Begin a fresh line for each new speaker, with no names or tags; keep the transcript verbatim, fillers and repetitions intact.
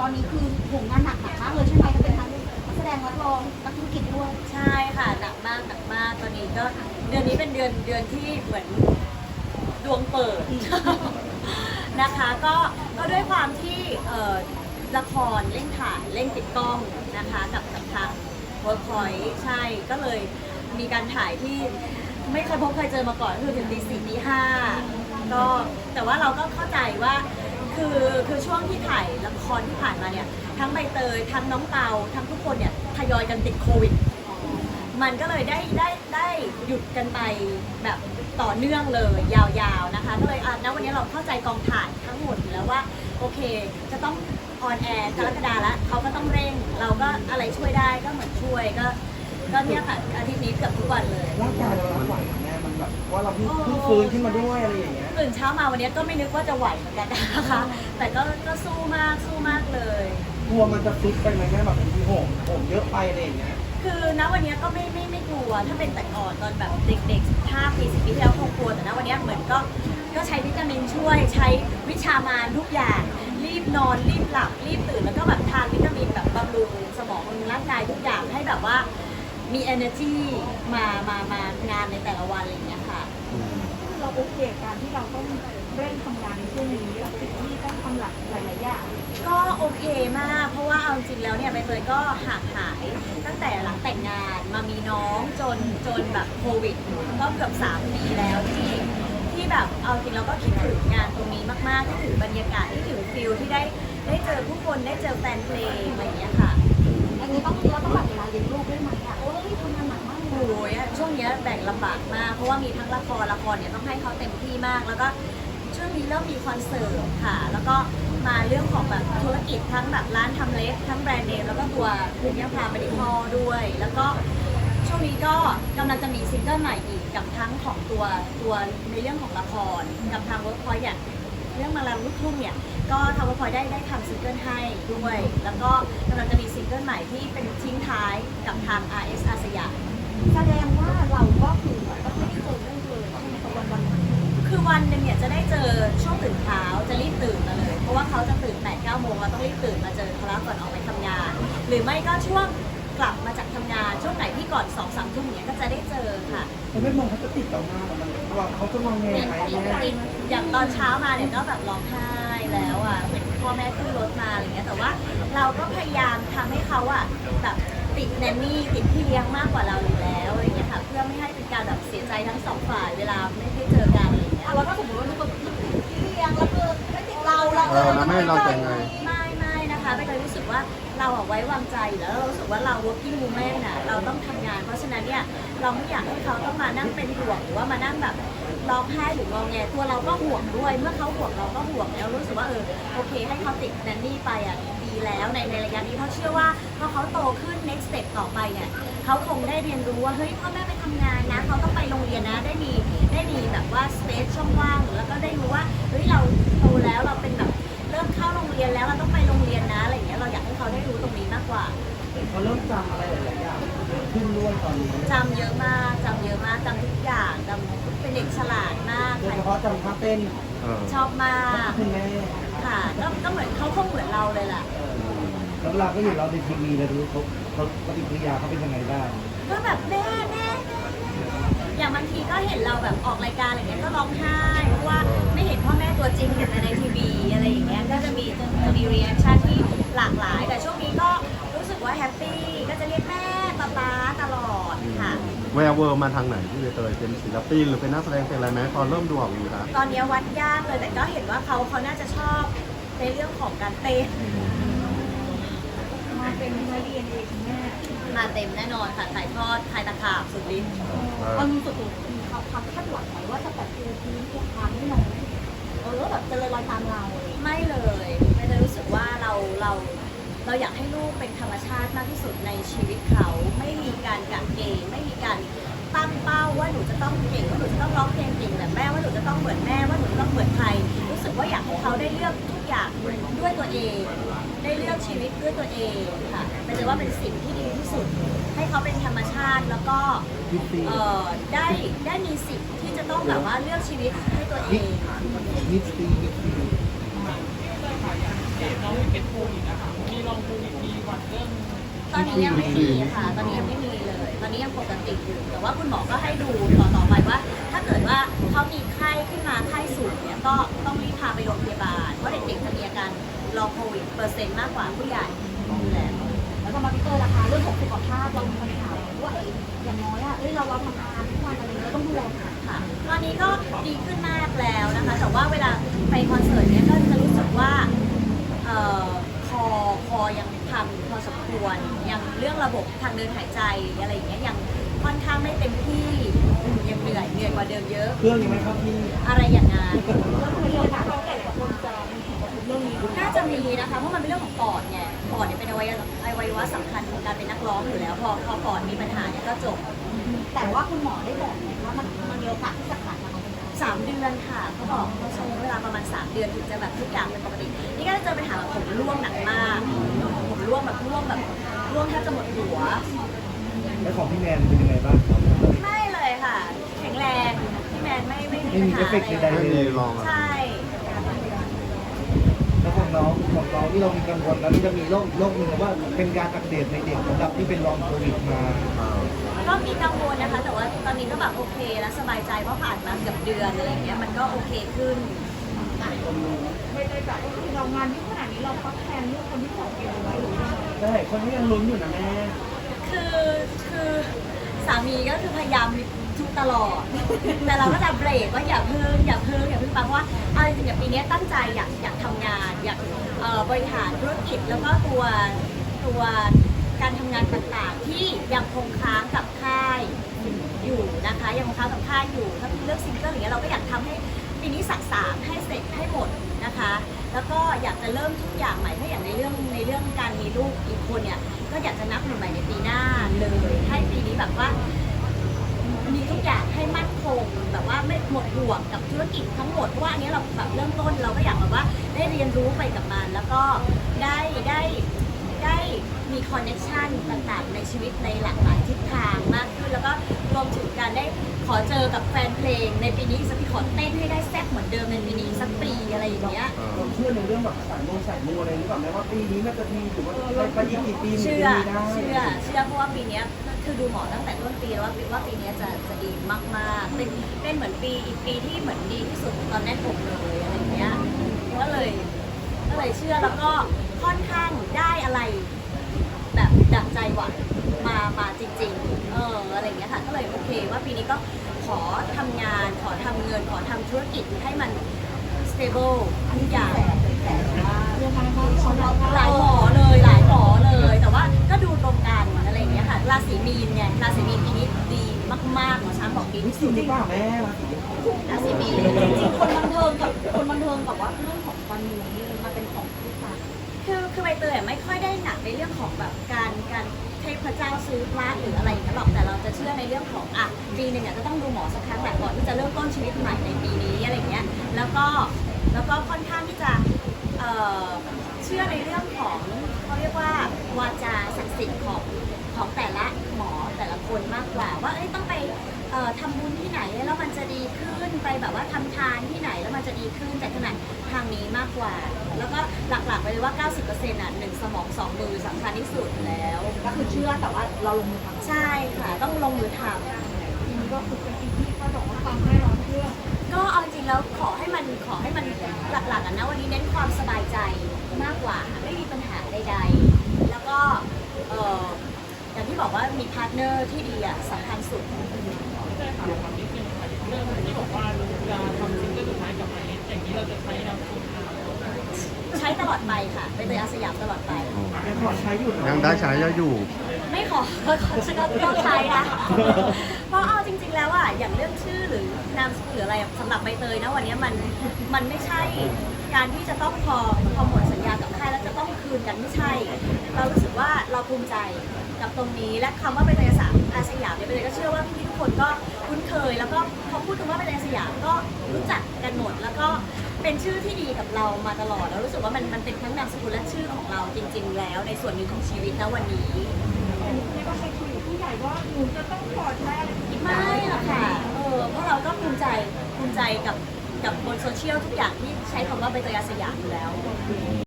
อนนี้คือโหงานหนักหนักมากเลยใช่ไหมทั้งเป็นทั้งนักแสดงนักร้องนักธุรกิจด้วย
ใช่ค่ะหนักมากหนักมากตอนนี้ก็เดือนนี้เป็นเดือนเดือนที่เหมือนดวงเปิด นะคะก็ก็ด้วยความที่เอ่อละครเร่งถ่ายเร่งติดกล้องนะคะกับกับทาง Workpoint ใช่ก็เลยมีการถ่ายที่ไม่เคยพบเคยเจอมาก่อนคือถึงตีสี่ตีห้าก็แต่ว่าเราก็เข้าใจว่าคือคือช่วงที่ถ่ายละครที่ผ่านมาเนี่ยทั้งใบเตยทั้งน้องเตาทั้งทุกคนเนี่ยทยอยกันติดโควิดมันก็เลยได้ได้ได้หยุดกันไปแบบต่อเนื่องเลยยาวๆนะคะก็เลยอ่ะณวันนี้เราเข้าใจกองถ่ายทั้งหมดอยู่แล้วว่าโอเคจะต้องออนแอร์กรกฎาแล้วเขาก็ต้องเร่งเราก็อะไรช่วยได้ก็เหมือนช่วยก็ก็เนี่ยค่ะอาทิตย์นี้เกือบทุกวันเลย
ร่างกายเรารับไหวแม่มันแบบว่าเราเพิ่งเพิ่งฟื้นขึ้นมาด้วยอะไรอย่างเงี้ย
ตื่นเช้ามาวันนี้ก็ไม่นึกว่าจะไหวเหมือนกันนะคะแต่ก็ก็สู้มากสู้มากเลย
กลัวมันจะฟิตไปไหมแม่แบบมีโหมโหมเยอะไปอะไรอย่างเงี้ย
คือณวันนี้ก็ไม่ไม่ไม่กลัวถ้าเป็นแต่ก่อนตอนแบบเด็กๆห้าปีสิบปีที่แล้วคงกลัวแต่ณวันนี้เหมือนก็ก็ใช้วิตามินช่วยใช้วิชามารทุกอย่างรีบนอนรีบหลับรีบตื่นแล้วก็แบบทานวิตามินแบบบำรุงสมองบำรุงร่างกายทุกอย่างให้แบบว่ามี energy มามามางานในแต่ละวันอะไรอย่างเงี้ยค่ะ
เราโอเคการที่เราต้องเร่งทำงานในช่วงนี้สิ่งที่ต้องทำหลักหลายๆอย่าง
ก็โอเคมากเพราะว่าเอาจริงแล้วเนี่ยใบเตยก็ห่างหายตั้งแต่หลังแต่งงานมามีน้องจนจนแบบโควิดก็เกือบสามปีแล้วที่ที่แบบเอาจริงเราก็คิดถึงงานตรงนี้มากๆคิดถึงบรรยากาศคิดถึงฟิลที่ได้ได้เจอผู้คนได้เจอแฟนเพลงอะไรอย่างเงี้ยค่ะ
อันนี้ต้องเราต้องแบ่งเวลาเลี้ยงลูกด้วยไหมอ่ะโอ้ยทำงานหนักมาก
โอ้ยช่วงนี้แบ่งลำบากมากเพราะว่ามีทั้งละครละครเนี่ยต้องให้เขาเต็มที่มากแล้วก็ช่วงนี้เริ่มมีคอนเสิร์ตค่ะแล้วก็มาเรื่องของแบบธุรกิจทั้งแบบร้านทำเล็บทั้งแบรนด์เนมแล้วก็ตัวคุณยาพาเมดิคอลด้วยแล้วก็ช่วงนี้ก็กำลังจะมีซิงเกิลใหม่อีกกับทั้งของตัวตัวในเรื่องของละครกับทางเวิร์กพอยต์อย่างเรื่องมาลาลูกทุ่งเนี่ยก็ทางเวิร์กพอยต์ได้ได้ทำซิงเกิลให้ด้วยแล้วก็กำลังจะมีซิงเกิลใหม่ที่เป็นทิ้งท้ายกับทาง อาร์ เอส อาสยาม
แสดงว่าเราก็คือก็ไม่ได้เจอเรื่องเลยใช่ไหมวันวัน
คือวันหนึ่งเนี่ยจะได้เจอช่วงตื่นเช้าจะรีบตื่นมาเลยเพราะว่าเขาจะตื่นแปดเก้าโมงเราต้องรีบตื่นมาเจอเขาแล้วก่อนออกไปทำงานหรือไม่ก็ช่วงกลับมาจากทำงานช่วงไหนที่ก่อนสองสามทุ่มเนี่ยก็จะได้เจอค่ะ
เขาไม่มองเขาจะติดเรามากมันว่าเขาจะมองไงไหม
อย่างตอนเช้ามาเนี่ยก็แบบร้องไห้แล้วอ่ะเห็นพ่อแม่ขึ้นรถมาอะไรเงี้ยแต่ว่าเราก็พยายามทำให้เขาอ่ะแบบติดแนนนี่ติดพี่เลี้ยงมากกว่าเราอยู่แล้วอะไรเงี้ยค่ะเพื่อไม่ให้เป็นการแบบเสียใจทั้งสองฝ่ายเวลาไม่ได้เจอกันอะไรเงี้ย
แล้วก็สมมติว่ามีคนติดพี่เลี้ยงแล้วคือไม่ติดเราเราเออ
ไม่เราจะไง
ไม่ไม่นะคะไม่เคยรู้สึกว่าเราอะไว้วางใจแล้วเรารู้สึกว่าเรา working woman น่ะเราต้องทำงานเพราะฉะนั้นเนี่ยเราไม่อยากให้เขาต้องมานั่งเป็นห่วงหรือว่ามานั่งแบบร้องไห้หรืองอแงตัวเราก็ห่วงด้วยเมื่อเขาห่วงเราก็ห่วงแล้วรู้สึกว่าเออโอเคให้เขาติดแนนนี่ไปอ่ะดีแล้วในในระยะนี้เพราะเชื่อว่าพอเขาโตขึ้น next step ต่อไปเนี่ยเขาคงได้เรียนรู้ว่าเฮ้ยพ่อแม่ไปทำงานนะเขาต้องไปโรงเรียนนะได้มีได้มีแบบว่า space ช่องว่างแล้วก็ได้รู้ว่าเฮ้ยเราโตแล้วเราเป็นแบบเริ่มเข้าโรงเรียนแล้วเราต้องไปโรงเรียนนะอะไรอย่างเงี้ยเราอยากให้เขาได้รู้ตรงนี้มากกว่า
เขาเริ่มจำอะไรหลายๆอย่างขึ้นด้วยตอนนี้
จำเยอะมากจำเยอะมากจำทุกอย่างจำเป็นเด็กฉลาดมาก
โดยเฉพาะจำท่าเต้น
ชอบมาก
คุณแม่
ค่ะก็ก็เหมือนเขาคงเหมือนเราเลยแหละ
แล้วเราก็อยู่เราในทีวีเราดูเขาเขาปฏิกิริยาเขาเป็นยังไงบ้าง
ก็แบบแม่แม่อย่างบางทีก็เห็นเราแบบออกรายการอะไรเงี้ยก็ร้องไห้เพราะว่าไม่เห็นพ่อแม่ตัวจริงเห็นแต่ในทีวีอะไรอย่างเงี้ยก็จะมีจะมีรีแอคชั่นที่หลากหลายแต่ช่วงนี้ก็รู้สึกว่าแฮปปี้ก็จะเรียกแม่ป๊าป๊าตลอดค่ะ
แวร์เวอร์มาทางไหนพี่ใบเตยเป็นศิลปินหรือเป็นนักแสดงเป็นอะไรไหมพอเริ่มดูออกอยู่ครับ
ตอนนี้วัดยากเลยแต่ก็เห็นว่าเขาเขาน่าจะชอบในเรื่องของการเต้น
มาเป็นมาเรียนเองแม่
มาเต็มแน่นอนค่ะถ่ายทอดถ่ายตะขาบสุดฤทธิ์
มันมีสุดมีความความคาดหวังไหมว่าจะแบบคือพื้นทุกทางที่น้องเออแบบจะเลยรอยตามเรา
ไม่เลยไม่ได้รู้สึกว่าเราเราเราอยากให้ลูกเป็นธรรมชาติมากที่สุดในชีวิตเขาไม่มีการกะเกณฑ์ไม่มีการตั้งเป้าว่าหนูจะต้องเก่งว่าหนูจะต้องร้องเพลงเก่งแบบแม่ว่าหนูจะต้องเหมือนแม่ว่าหนูจะต้องเหมือนใครรู้สึกว่าอยากให้เขาได้เลือกทุกอย่างด้วยตัวเองได้เลือกชีวิตด้วยตัวเองค่ะเป็นเลยว่าเป็นสิ่งที่ดีที่สุดให้เขาเป็นธรรมชาติแล้วก็เอ่อได้ได้มีสิทธิ์ที่จะต้องแบบว่าเลือกชีวิตให้ตัวเอง
มิสตีมิสตี
น้องเป็นโควิดนะคะมีลองโควิดมีหวัดเรื่อง
ตอนนี้ยังไม่มีค่ะ ตอนนี้ยังไม่มีเลย ตอนนี้ยังปกติอยู่ แต่ว่าคุณหมอก็ให้ดูต่อต่อไปว่า ถ้าเกิดว่าเขามีไข้ขึ้นมาไข้สูงเนี่ยก็ต้องรีบพาไปโรงพยาบาล เพราะเด็กๆจะมีอาการรองโควิดเปอร์เซ็นต์มากกว่าผู้ใหญ่อยู่แล้ว
แล้วก็มาพี่เตอร์นะคะเรื่องของสุขภาพเรามีปัญหาว่าเอ้ยอย่างน้อยอ่ะเอ้ยเราเราทำงานทุกวันอะไรเงี้ยต้องดูแลค่ะ
ค่ะตอนนี้ก็ดีขึ้นมากแล้วนะคะ แต่ว่าเวลาไปคอนเสิร์ตเนี่ยก็จะรู้สึกว่าเอ่อคอคอยังพังพอสมควรยังเรื่องระบบทางเดินหายใจอะไรอย่างเงี้ยยังค่อนข้างไม่เต็มที่ยังเหนื่อยเหนื่อยกว่าเดิมเยอะ
เครื่องยังไม่เข้าที่
อะไรอย่างงั้น
ก็คือเรื่องการเราแต่ละคนจะมีผลกระทบเรื่องนี้ด้วย
น่าจะมีนะคะเพราะมันเป็นเรื่องของปอดไงปอดเนี่ยเป็นอวัยวะอวัยวะสำคัญของการเป็นนักร้องอยู่แล้ว พอพอปอดมีปัญหาเนี่ยก็จบ
แต่ว่าคุณหมอได้บอกไหมว่ามันมันมีโอกาสที่จะขาดการออกกำลังกาย
สามเดือนค่ะเขาบอกเขาใช้เวลาประมาณสามเดือนถึงจะแบบทุกอย่างเป็นปกติ นี่ก็จะเจอปัญหาแบบผมร่วงหนักมากผมร่วงแบบร่วงแบบร่วงแทบจะหมดหัว
แล้วของพี่แมนเป็นยังไงบ้างครับ
ไม่เลยค่ะ แข็งแรงพี่แมนไม่ไม่มี
ไม่มี
ปัญหา
เอฟเฟกต์
อะไร
ใด
ไม่มีลอง
ใช่
แล้วของน้องของน้องที่เรามีกังวลแล้วนี่จะมีโรคโรคหนึ่งว่าเป็นการอักเสบในเด็กสำหรับที่เป็นลองโควิดมา
อ่า
ก็มีกังวลนะคะ แต่ว่าตอนนี้ก็แบบโอเคแล้วสบายใจเพราะผ่านมาเกือบเดือนอะไรอย่างเงี้ยมันก็โอเคขึ้น
ไม่ได้แบบก็คือเรางานที่ขนาดนี้เราพักแทนเรื่องคนที่สองเองไว้หรือยังไง
ใช่คนนี้ยังลุ้นอยู่นะแม่
คือคือสามีก็คือพยายามทุกตลอด แต่เราก็จะเบรกว่าอย่าเพิ่งอย่าเพิ่งอย่าเพิ่งปังเพราะว่าเอาจริงๆอย่างปีนี้ตั้งใจอยากอยากทำงาน อยากเอ่อบริหารธุรกิจแล้วก็ตัวตัวการทำงานต่างๆ ที่ยังคงค้างกับค่ายอยู่นะคะยังคงค้างกับค่ายอยู่ถ้าเป็นเรื่องซิงเกิลอย่างเงี้ยเราก็อยากทำให้ปีนี้สักสามให้เสร็จให้หมดนะคะ แล้วก็อยากจะเริ่มทุกอย่างใหม่ถ้าอย่างในเรื่องในเรื่องการมีลูกอีกคนเนี่ยก็อยากจะนับหนึ่งใหม่ในปีหน้าเลยให้ปีนี้แบบว่า มีทุกอย่างให้มั่นคงแบบว่าไม่หมดห่วงกับธุรกิจทั้งหมดเพราะว่าอันนี้เราแบบเริ่มต้นเราก็อยากแบบว่าได้เรียนรู้ไปกับมันแล้วก็ได้ได้ได้มีคอนเนคชันต่างๆ ในชีวิตในหลากหลายทิศทางมากขึ้นแล้วก็รวมถึงการได้ขอเจอกับแฟนเพลงในปีนี้สักทีขอเต้นให้ได้แซ่บเหมือนเดิมในปีนี้สักปีอะไรอย่างเงี้ย
ผมเชื่อในเรื่องแบบสายโมสายมูอะไรหรือเปล่าแม้ว่าปีนี้น่าจะมีหรือว่าไปอีกกี่ปีมัน
เชื่
จะ
อ
มีได้
เชื่อเชื่อเพราะว่าปีเนี้ยคือดูหมอตั้งแต่ต้นปีแล้วว่าว่าปีเนี้ยจะจะดีมากๆเป็นเป็นเหมือนปีอีกปีที่เหมือนดีที่สุดตอนแน่นอกเลยอะไรอย่างเงี้ยก็เลยก็เลยเชื่อแล้วก็ค่อนข้างได้อะไรแบบดังใจหวังมามาจริงๆเอออะไรอย่างเงี้ยค่ะก็เลยโอเคว่าปีนี้ก็ขอทำงานขอทำเงินขอทำธุรกิจให้มัน stable ทุกอย่าง
เรื่องการพักผ่อนเรา
หลายหมอเลยหลายหมอเลยแต่ว่าก็ดูตรงกันอะไรอย่างเงี้ยค่ะราศีมีนไงราศีมีนปีนี้ดีมากๆหมอช้างบอกดีที่
จ
สุ
ริ
ด
งหรือเปล่าแม่
ราศีมีน
จริงๆคนบันเทิงกับคนบันเทิงกับว่าเรื่องของการเมืองนี่มันเป็นของผู้ชาย
คือคือใบเตยอะไม่ค่อยได้หนักในเรื่องของแบบการการเทพเจ้าซื้อพระหรืออะไรอย่างเงี้ยหรอกแต่เราจะเชื่อในเรื่องของอ่ะปีหนึ่งอ่ะจะต้องดูหมอสักครั้งแหละก่อนที่จะเริ่มต้นชีวิตใหม่ในปีนี้อะไรอย่างเงี้ยแล้วก็แล้วก็ค่อนข้างที่จะเอ่อเชื่อในเรื่องของเขาเรียกว่าวาจาศักดิ์สิทธิ์ของของแต่ละหมอแต่ละคนมากกว่าว่าเอ้ยต้องไปเอ่อทำบุญที่ไหนแล้วมันจะดีขึ้นไปแบบว่าทำทานที่ไหนแล้วมันจะดีขึ้นจากขนาดทางนี้มากกว่า แล้วก็หลักๆไปเลยว่า เก้าสิบเปอร์เซ็นต์ อ่ะหนึ่งสมองสองมือสำคัญที่สุดแล้ว
ก็คือเชื่อแต่ว่าเราลงมือทำ
ใช่ค่ะต้องลงมือท
จริงก็คือเป็นสิ่งที่เขาบอกว่าฟังแน่นอนเชื่อ
ำก็เอาจริงแล้วขอให้มันขอให้มันหลักๆอ่ะนะวันนี้เน้นความสบายใจมากกว่าไม่มีปัญหาใดๆแล้วก็เอ่ออย่างที่บอกว่ามีพาร์ทเนอร์ที่ดีอ่ะสำคัญสุด
ใช่ค่ะความนิดนึงค่ะเรื่องที่บอกว่าเราจะทำซิงเกิลสุดท้ายกับไอซ์อย่างนี้เราจะใช้นามสกุลค่ะ
ใช้ตลอดไปค่ะไปเตยอาสยามตลอดไป
ยังขอใช้อยู่
ยังได้ใช้อยู่
ไม่ขอขอฉันก็ต้องใช้นะ เพราะเอาจริงๆแล้วอะอย่างเรื่องชื่อหรือนามสกุลหรืออะไรสำหรับใบเตยนะวันนี้มันมันไม่ใช่การที่จะต้องพอพอหมดสัญญากับค่ายแล้วจะต้องคืนกันไม่ใช่ เรารู้สึกว่าเราภูมิใจกับตรงนี้และคำว่าใบเตยอาสยามอาสยามเนี่ยใบเตยก็เชื่อว่าพี่ๆทุกคนก็คุ้นเคย แล้วก็พอพูดถึงว่าใบเตยอาสยามก็รู้จักกันหมดแล้วก็เป็นชื่อที่ดีกับเรามาตลอดแล้วรู้สึกว่ามันมันเป็นทั้งนามสกุลและชื่อของเราจริง ๆ แล้วในส่วนหนึ่งของชีวิตนะวันนี้
ไม่ว่าใครคุยกับผู้ใหญ่ว่าหนูจะต้องถอดแม่อะไรอย่างนี้
ไม่หรอกค่ะ เออเพราะเราก็ภูมิใจภูมิใจกับกับบนโซเชียลทุกอย่างที่ใช้คำว่าใบเตยอาสยามอยู่แล้ว